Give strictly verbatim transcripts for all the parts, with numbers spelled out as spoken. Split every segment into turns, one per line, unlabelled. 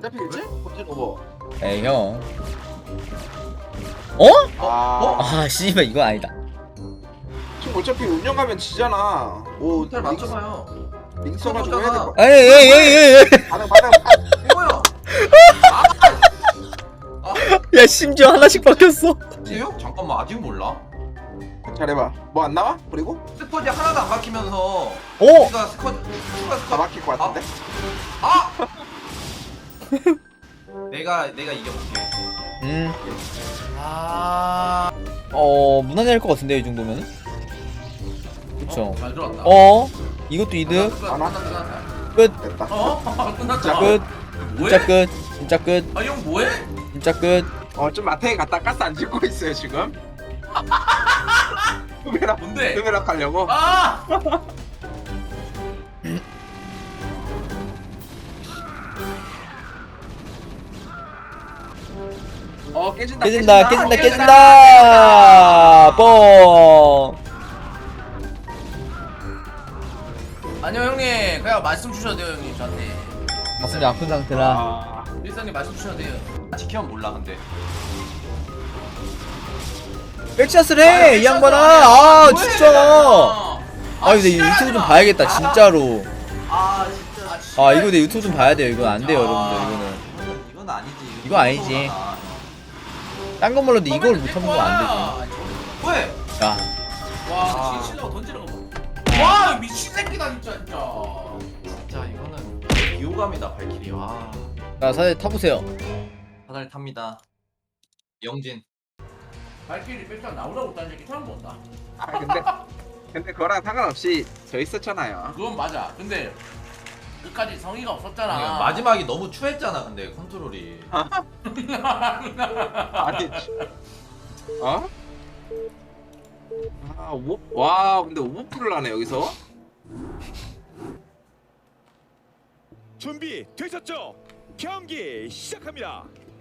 잡히겠지? 본진 오버.
에이 형. 어?
아,
아 씨발 이건 아니다.
지금 어차피 운영하면 지잖아. 뭐
호텔 맞춰봐요.
링 써가지고 해야 될 거.
에이 에이 에이 에이.
반응 반응.
이거요.
야 심지어 하나씩 바뀌었어.
세요? 잠깐만 아직 몰라.
잘해봐. 뭐 안 나와? 그리고
스쿼지 하나도 안 막히면서
오.
우리가 스쿼 추가
다
스쿼
막힐 것 같은데?
아! 내가 내가 이겨볼게.
음.
아.
어 무난할 것 같은데 이 정도면. 그쵸.
잘 들어왔다.
어. 이것도 이득.
하나?
끝.
됐다.
어? 끝났다.
진짜 끝. 진짜 끝. 진짜 끝.
아, 형 뭐해?
진짜 끝.
어, 좀 마태에 갔다 가스 안 짓고 있어요 지금. 흐메락
뭔데?
흐메락 하려고.
아!
어 깨진다.
깨진다 깨진다
깨진다,
깨진다. 뻥.
아니요 형님 그냥 말씀 주셔도 돼요 형님 저한테.
가슴이 아픈 상태라.
아,
일상님 말씀 주셔도 돼요. 지키면 몰라 근데.
백샷을 해 이 양반아. 아 진짜. 아 근데 이 유튜브 좀 봐야겠다 진짜로.
아 진짜.
아 이거 내 유튜브 좀 봐야 돼요. 이건 안 돼요 여러분들. 이거는
이거는 이건 아니지.
이거 아니지. 딴 건 몰라도 이걸 못하는 건 안 되지.
왜?
야
와, 진실로 던지는 거 봐. 와, 미친 새끼다 진짜 진짜. 진짜 이거는 비호감이다 발키리. 와.
자 사실 타보세요.
사다리 탑니다. 영진. 발키리 백장 나오라고 딴 새끼 처음 본다.
아 근데 근데 그거랑 상관없이 저 있었잖아요.
그건 맞아. 근데 끝까지 성의가 없었잖아.
마지막이 너무 추했잖아. 근데 컨트롤이.
아니, 어? 아, 오, 와, 근데 오버풀을 하네 여기서.
준비 되셨죠? 경기 시작합니다.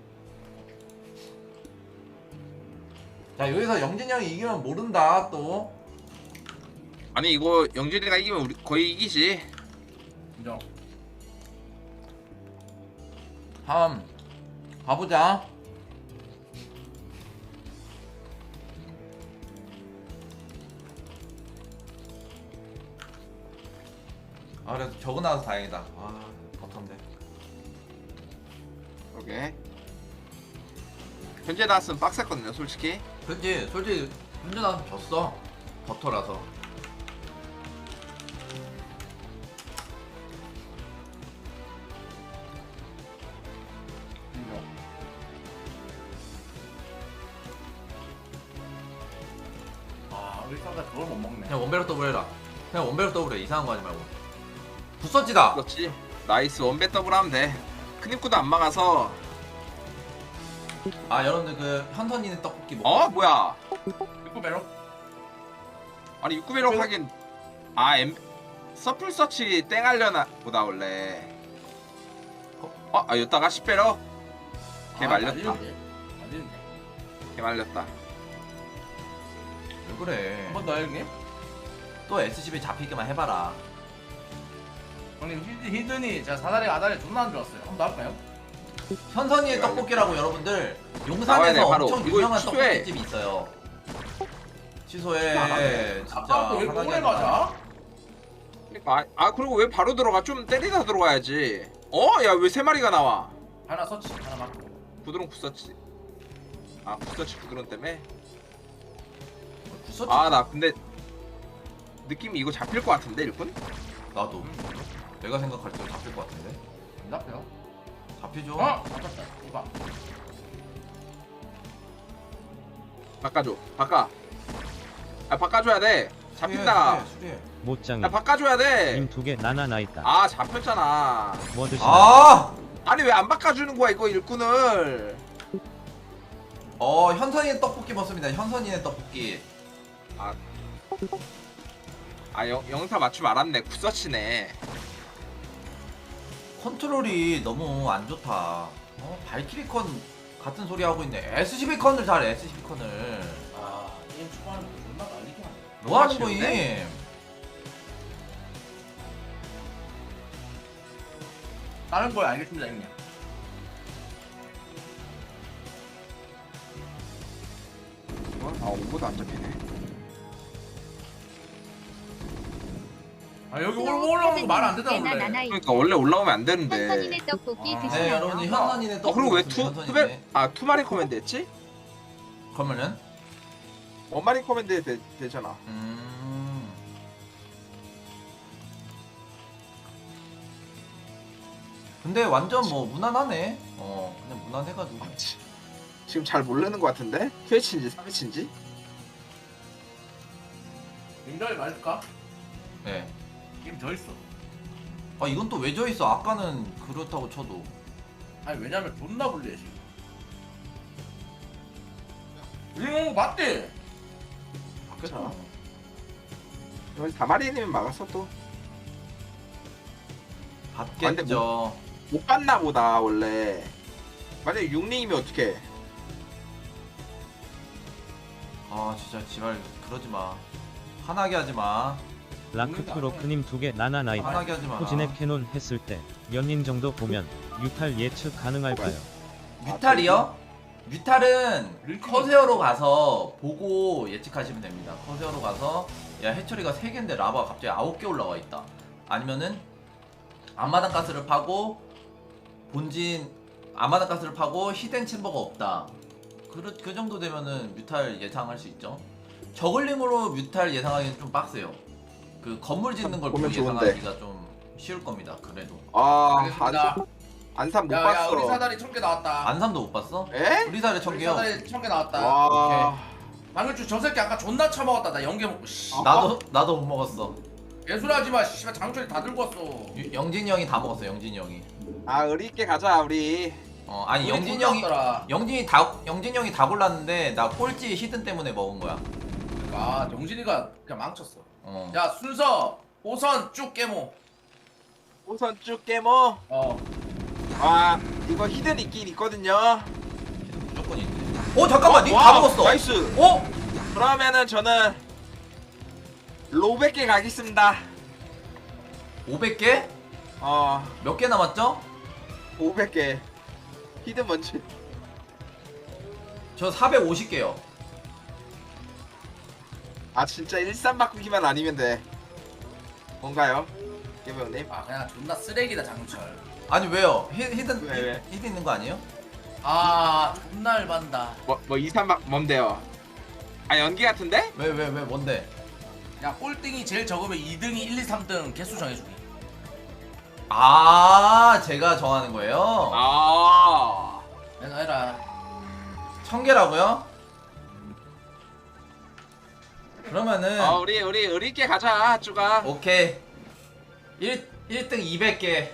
자 여기서 영진 형이 이기면 모른다 또.
아니 이거 영준이가 이기면 우리 거의 이기지.
인정.
다음 가보자. 아 그래도 적어 나와서 다행이다. 아 버텀데.
오케이. 현재 나왔으면 빡셌거든요, 솔직히.
그치 솔직히 현재 나와서 졌어. 버터라서.
인정. 아, 우리 사가 그걸 못 먹네.
그냥 원배로 더블 해라. 그냥 원배로 더블 해. 이상한 거 하지 말고. 부서지다.
그렇지. 나이스 원배 더블 하면 돼. 큰 입구도 안 막아서.
아 여러분들 그 현선이네 떡볶이 먹어.
어, 뭐야?
육구 배로?
아니 육구배로 하긴. 아, 엠 서플 서치 땡 하려나 보다 원래. 어, 아 여기다가 십 배로. 걔 말렸다.
말리는데. 말리는데.
걔 말렸다.
왜 그래?
한 번 더 형님.
또 에스씨비 잡히기만 해봐라.
형님 히드, 히든이 제가 사다리 아다리 존나 안 좋았어요. 한 번 더 할까요?
현선이의 떡볶이라고 여러분들
나와야 돼,
용산에서
바로.
엄청
이거
유명한
취소해.
떡볶이집이 있어요. 취소해. 진짜.
아까부터 왜
화나게
오래
하지 마.
가자?
아, 아 그리고 왜 바로 들어가? 좀 때리다 들어가야지. 어? 야 왜 세 마리가 나와?
하나 서치, 하나 맞고.
부드러운 굿서치. 아 굿서치 부드러운 때문에.
구서치.
아 나 근데 느낌이 이거 잡힐 것 같은데 일꾼?
나도. 내가 생각할 때 잡힐 것 같은데.
안 잡혀요?
잡히죠.
어? 잡혔다. 이봐.
바꿔줘. 바꿔. 아 바꿔줘야 돼. 잡힌다.
수리해, 수리해.
못장이
야 바꿔줘야 돼.
님 두 개 나나 나 있다.
아 잡혔잖아.
뭐 드시나?
아!
아니 왜 안 바꿔주는 거야 이거 일꾼을?
어 현선이의 떡볶이 먹습니다. 현선이의 떡볶이.
아, 아 영, 영사 맞춤 알았네. 굿서치네.
컨트롤이 너무 안 좋다. 어 발키리 컨 같은 소리 하고 있네. 에스씨비 컨을 잘해. 에스씨비 컨을.
아, 게임 초반에 존나 말리긴 하네.
뭐 하는
너무
거임?
아쉬운데?
다른 걸 알겠습니다 형님.
어? 아 오버도 안 잡히네.
아 여기 올- 올라오는 거 말 안 되잖아 원래.
그러니까 원래 올라오면 안 되는데.
선선이네 떡볶이
아.
네
드시나요?
여러분들 현선이네
어
떡.
그리고 왜 투 투베 아 투마리 코맨드 했지?
그러면은
원마리 코맨드 되, 되잖아.
음. 근데 완전 뭐 무난하네. 어 그냥 무난해가지고.
아, 지- 지금 잘 모르는 것 같은데? 트위치인지 삼위치인지?
인정이 말할까?
네.
게임 져 있어.
아 이건 또 왜 져 있어? 아까는 그렇다고 쳐도.
아니 왜냐면 존나 불리해 지금. 이거 맞대.
그쵸. 여기 사마리님은 막았어 또.
받겠죠.
못 봤나 보다 원래. 만약에 육링이면 어떡해.
아 진짜 지랄 그러지 마. 화나게 하지 마.
라크크로크님 두 개 나나 나이다.
화나게 하지 마.
포진의 캐논 했을 때 연인 정도 보면 유탈 예측 가능할까요?
뮤탈이요? 뮤탈은 커세어로 가서 보고 예측하시면 됩니다. 커세어로 가서 야 해처리가 세 개인데 라바가 갑자기 아홉 개 올라와 있다. 아니면은 앞마당 가스를 파고 본진 앞마당 가스를 파고 히덴 챔버가 없다. 그, 그 정도 되면은 뮤탈 예상할 수 있죠. 저글링으로 뮤탈 예상하기는 좀 빡세요. 그 건물 짓는 걸 보고
보면 좋은데.
예상하기가 좀 쉬울 겁니다. 그래도
아
알겠습니다.
안산 안산 못
야야
봤어.
우리 사다리 천 개 나왔다.
안삼도 못 봤어?
에?
우리 사례
우리
천개요.
사다리 천 개 나왔다.
와.
방금 저 새끼 아까 존나 처먹었다. 나 연계 먹고 씨.
아.
나도 나도 못 먹었어.
예술하지 마. 씨발 장철이 다 들고 왔어.
유- 영진이 형이 다 먹었어. 영진이 형이.
아 의리 있게 가자 우리.
어 아니
우리
영진이
존나
형이
왔더라.
영진이 다 영진이 형이 다 골랐는데 나 꼴찌 히든 때문에 먹은 거야.
아 영진이가 그냥 망쳤어.
어.
야 순서 오선 쭉 깨모.
우선 쭉 깨모.
어.
와 이거 히든 있긴 있거든요.
히든 무조건 있네. 어 잠깐만 니 다
와,
먹었어.
나이스.
어?
그러면은 저는 로백 개 가겠습니다.
오백 개?
어
몇 개 남았죠?
오백 개. 히든 뭔지.
저 사백오십 개요.
아 진짜 일삼 바꾸기만 아니면 돼. 뭔가요? 개배우님?
아 그냥 존나 쓰레기다 장철.
아니 왜요? 히, 히든
왜, 왜?
히, 히든 있는 거 아니에요?
아 존나 열받는다.
뭐뭐 이삼 바 뭔데요? 아 연기 같은데?
왜 왜 왜 뭔데?
야 꼴등이 제일 적으면 이 등이 일, 이, 삼 등 개수 정해주기.
아 제가 정하는 거예요?
아.
내가 해라.
천 개라고요? 그러면은
아 우리 우리 의리 있게 가자 쭈가.
오케이. 일, 일 등 이백 개.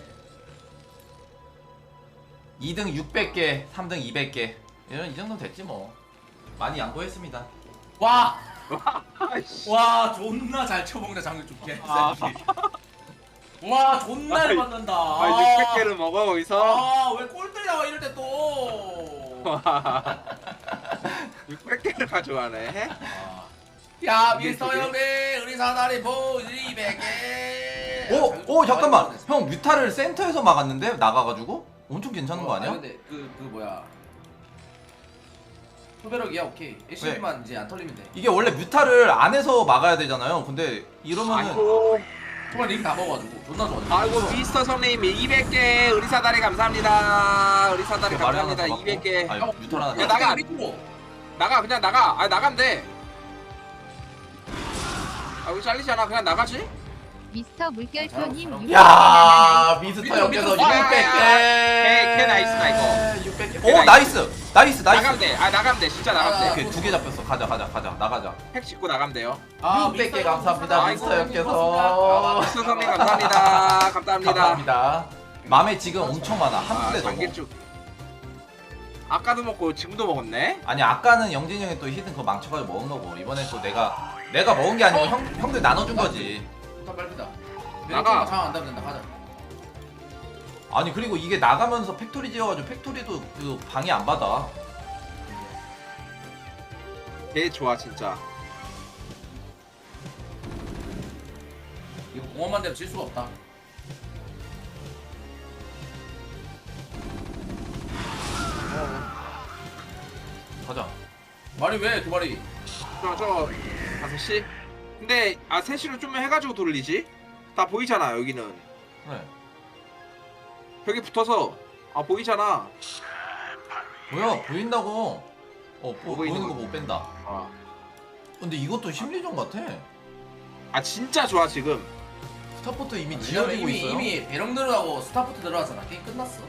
이 등 육백 개. 삼 등 이백 개. 이런 이 정도면 됐지 뭐. 많이 양보했습니다.
와.
아이씨.
와 존나 잘 쳐먹는다 장철 좀 개새끼.
아.
와 존나
아이,
열받는다.
아 육백 개를 먹어 거기서.
아왜 꼴등 나와 이럴 때 또.
육백 개를 가져가네.
야
이게
미스터
그게?
형님 우리 사다리 보 이백 개.
오! 오 잠깐만! 형 뮤타를 센터에서 막았는데? 나가가지고? 엄청 괜찮은 거 아니야?
근데 그, 그 뭐야 후배력이야 오케이 에이씨만 이제 안 털리면 돼.
이게 원래 뮤타를 안에서 막아야 되잖아요. 근데 이러면은
아이고.
정말 링 다 먹어가지고 존나 좋아.
아이고 미스터 성님 이백 개 의리 사다리 감사합니다. 의리 사다리
말이 하나
감사합니다.
더 받고.
이백 개.
아니 뮤탈 하나
야,
더
나가.
리고.
나가 그냥 나가. 아 나가면 돼. 아 여기 잘리잖아. 그냥 나가지.
미스터 물결표님
야 미스터
미스터,
형께서
미스터.
육백 개!
개, 개 나이스다, 이거.
육백 개.
개
오
나이스.
나이스! 나이스
나가면
나이스!
돼. 아 나가면 돼. 진짜 나가면
아,
돼.
오케이 두 개 잡혔어. 가자 가자 가자 나가자.
팩 짚고 나가면 돼요.
육백 개 감사합니다
아이고,
미스터 형께서.
미스터 성님 감사합니다. 감사합니다.
감사합니다. 맘에 지금 엄청 많아. 한
아
푼에 넘어.
장길쭉. 아까도 먹고 지금도 먹었네.
아니 아까는 영진이 형이 또 히든 그거 망쳐가지고 먹은 거고 이번에 또 내가 내가 먹은 게 아니고 형 형들 나눠준 거지.
일단 빨리다.
나가.
상안 되면 된다 가자.
아니 그리고 이게 나가면서 팩토리 지어가지고 팩토리도 그 방해 안 받아.
개 좋아 진짜.
이거 공원만 되면 질 수가 없다.
가자.
말이 왜 두 마리?
저저 다섯 시. 근데 아 세 시로 좀 해가지고 돌리지. 다 보이잖아 여기는.
그래.
벽에 붙어서 아 보이잖아.
보여 보인다고. 어 보,
보이는
보이는 거
거.
못 뺀다.
아,
근데 이것도 심리전 같아.
아 진짜 좋아 지금.
스타포트 이미
왜냐면
지어지고
이미
있어요.
이미 배럭 들어가고 스타포트 들어가잖아. 게임 끝났어.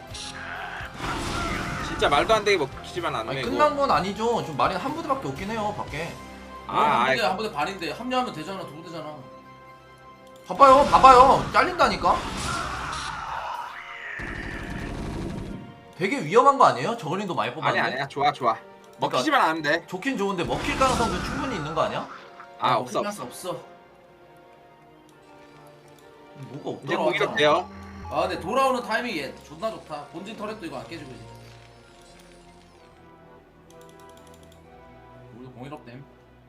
진짜 말도 안 되게 먹히지만 않네.
아니
이거.
끝난 건 아니죠. 지금 마린 한 부대밖에 없긴 해요 밖에.
아,
한
아이,
부대 한 부대 반인데 합류하면 되잖아. 두 부대잖아.
봐봐요 봐봐요 잘린다니까. 되게 위험한 거 아니에요? 저글링도 많이
아니
뽑았는데.
아니야 좋아 좋아.
그러니까
먹히지만 않으면 돼.
좋긴 좋은데 먹힐 가능성도 충분히 있는 거 아니야?
아 없어.
없어 없어.
뭐가
이제
없더라.
공이력 돼요.
아 근데 돌아오는 타이밍이 얘 존나 좋다. 본진 터렛도 이거 안 깨지고 이제. 우리도 공일업 됨.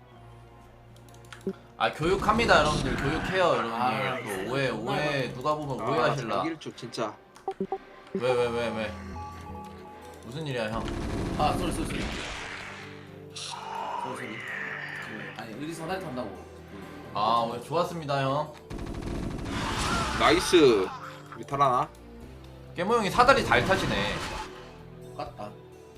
아 교육합니다 여러분들 교육해요 여러분들.
아,
그 오해 오해 누가 보면 오해하실라.
일주 진짜.
왜 왜 왜 왜? 무슨 일이야 형?
아 쏘리 쏘리 쏘리. 쏘리 쏘리. 그, 아니 의리 사다리 탄다고. 그,
아 오늘 좋았습니다 형.
나이스. 위탈 하나.
깨모 형이 사다리 잘 타시네.
똑같다.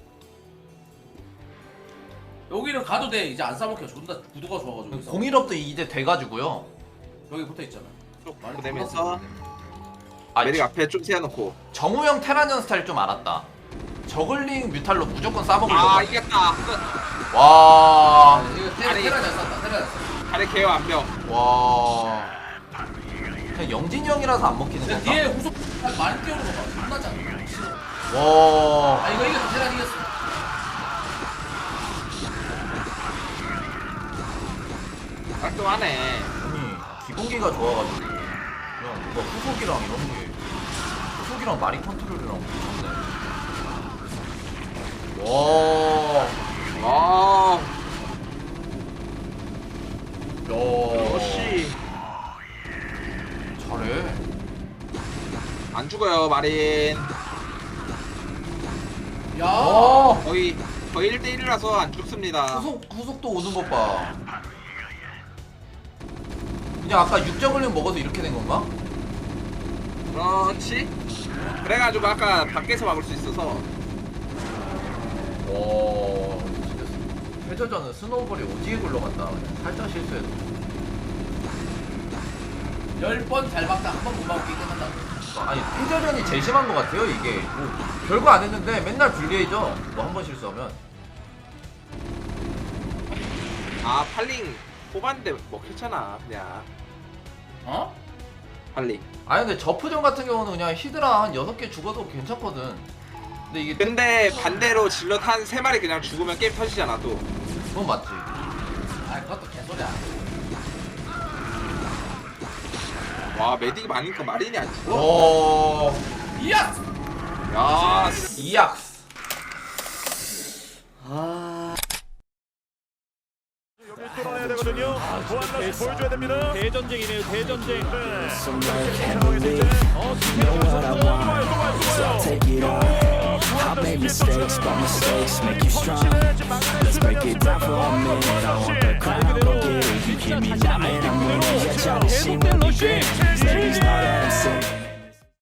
여기는 가도 돼. 이제 안 싸먹혀. 존나 구도가 좋아가지고. 여기서.
공일업도 이제 돼가지고요.
여기 붙어 있잖아.
쭉
말이
보내면서
존나
아
메릭 앞에 좀 세워놓고.
정우형 테라년 스타일 좀 알았다. 저글링 뮤탈로 무조건 싸먹으려고.
아 이겼다. 끝.
와.
세네. 이거 테라
아니.
테라 잘 쐈다. 테라 잘 쐈다.
아래 개요 안병.
와. 그냥 영진이 형이라서 안 먹히는
근데
건가?
뒤에 후속 한 많이 뛰어오는 거 봐. 존나 짱. 싫어.
와.
아 이거 이겼어. 테라 이겼어.
깔끔하네.
아니 기본기가 좋아가지고 그냥 누가 후속이랑 이런 게 후속이랑 마린 컨트롤이랑 미쳤네. 와.
와.
야.
역시
잘해.
안 죽어요 마린.
야.
어.
거의 거의 일 대 일이라서 안 죽습니다.
후속 후속도 오는 것 봐. 그냥 아까 육저글링 먹어서 이렇게 된 건가?
그렇지. 그래가지고 아까 밖에서 막을 수 있어서.
와. 진짜 회저전은 스노우볼이 오지게 굴러간다. 그냥 살짝 실수해도.
열 번 잘 막다 한 번 못 막게 끝난다.
아니 회저전이 제일 심한 것 같아요 이게. 뭐 별거 안 했는데 맨날 불리해져. 뭐 한 번 실수하면.
아 팔링 뽑았는데 먹혔잖아 그냥.
어?
팔링.
아니 근데 저프전 같은 경우는 그냥 히드라 한 여섯 개 죽어도 괜찮거든. 근데 이게
근데 반대로 질럿 한 세 마리 그냥 죽으면 게임 터지잖아 또.
그건 맞지.
아 그것도 개소리야.
와 메딕이 많으니까 마린이 안 죽어.
오.
이야.
야.
이악스.
여기 뚫어야 되거든요. 보안라인 보여줘야 됩니다. 대전쟁이네요. 대전쟁. 네. 상황에서 이제 어 김태형 선수 또 와요. 또 와요. 또 와요.
Take it all. I made mistakes, but mistakes make you strong. Let's break it down for a minute. I want the crown, go get it. You hear me now, man, I'm winning. Yeah, try to see me.